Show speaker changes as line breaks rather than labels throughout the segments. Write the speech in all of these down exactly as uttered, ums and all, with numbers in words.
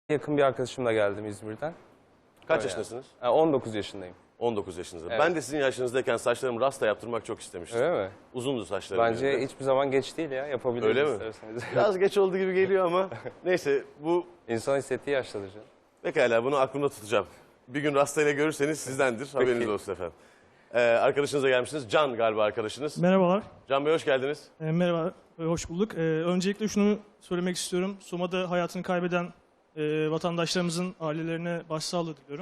Yakın bir arkadaşımla geldim İzmir'den.
Kaç
Öyle
yaşındasınız?
yani. on dokuz yaşındayım.
on dokuz yaşınızda.
Evet.
Ben de sizin yaşınızdayken saçlarımı rasta yaptırmak çok istemiştim.
Öyle mi?
Uzundu saçlarım.
Bence
benim de.
hiçbir zaman geç değil ya. Yapabiliriz
Öyle mi?
isterseniz.
Biraz geç oldu gibi geliyor ama neyse bu
İnsan hissettiği yaştadır canım.
pekala bunu aklımda tutacağım. Bir gün rastayla görürseniz sizdendir. Haberiniz olsun efendim. Ee, arkadaşınıza gelmişsiniz. Can galiba arkadaşınız.
Merhabalar.
Can Bey hoş geldiniz.
E, merhaba, e, hoş bulduk. E, öncelikle şunu söylemek istiyorum. Soma'da hayatını kaybeden e, vatandaşlarımızın ailelerine başsağlığı diliyorum.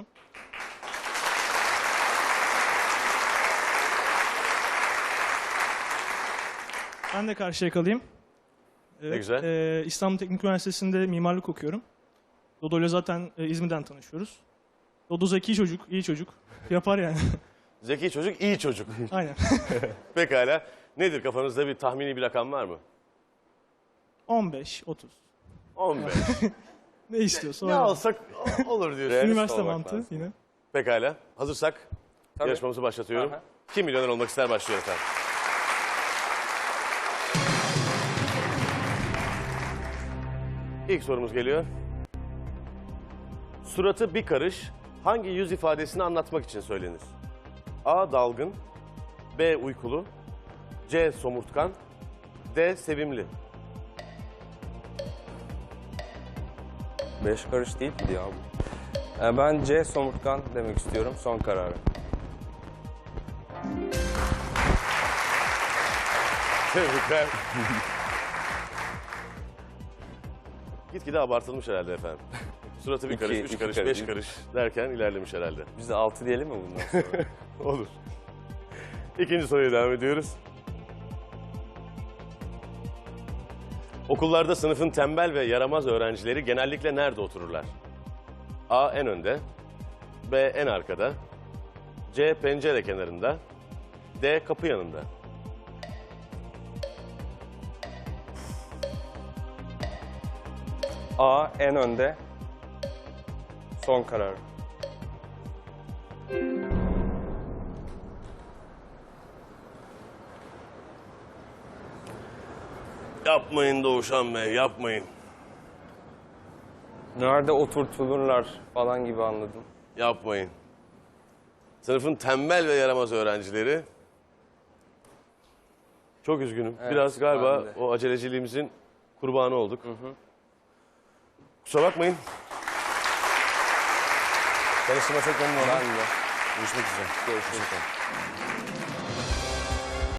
Ben de Karşıyaka'lıyım. Evet,
Ne güzel.
e, İstanbul Teknik Üniversitesi'nde mimarlık okuyorum. Dodo'yla zaten e, İzmir'den tanışıyoruz. Dodo zeki çocuk, iyi çocuk. Yapar yani.
Zeki çocuk, iyi çocuk.
Aynen.
Pekala. Nedir kafanızda bir tahmini bir rakam var mı?
on beş, otuz.
on beş.
Ne istiyorsa
Ne
öyle.
alsak olur diyorsun.
Realist
Üniversite
olmak
mantığı
lazım.
yine.
Pekala. Hazırsak
Tabii.
yarışmamızı başlatıyorum.
Aha.
Kim milyoner olmak ister başlıyor efendim. İlk sorumuz geliyor. Suratı bir karış hangi yüz ifadesini anlatmak için söylenir? A. Dalgın, B. Uykulu, C. Somurtkan, D. Sevimli.
Beş karış değil miydi ya bu? Ee, ben C somurtkan demek istiyorum. Son kararı.
Tebrikler. Gitgide abartılmış herhalde efendim. Suratı bir
İki-
karış, üç
iki
karış,
karış,
beş
değil mi?
karış derken ilerlemiş herhalde.
Biz de altı diyelim mi bundan sonra?
Olur. İkinci soruya devam ediyoruz. Okullarda sınıfın tembel ve yaramaz öğrencileri genellikle nerede otururlar? A. En önde, B. En arkada, C. Pencere kenarında, D. Kapı yanında.
A en önde. Son kararı.
Yapmayın Doğuşan Bey, yapmayın.
Nerede oturtulurlar falan gibi anladım.
Yapmayın. Sınıfın tembel ve yaramaz öğrencileri. Çok üzgünüm.
Evet,
Biraz galiba
ben de.
o aceleciliğimizin kurbanı olduk. Kusura bakmayın. Tanıştığıma çok memnun oldum.
Ben de.
Görüşmek üzere.
Görüşürüz.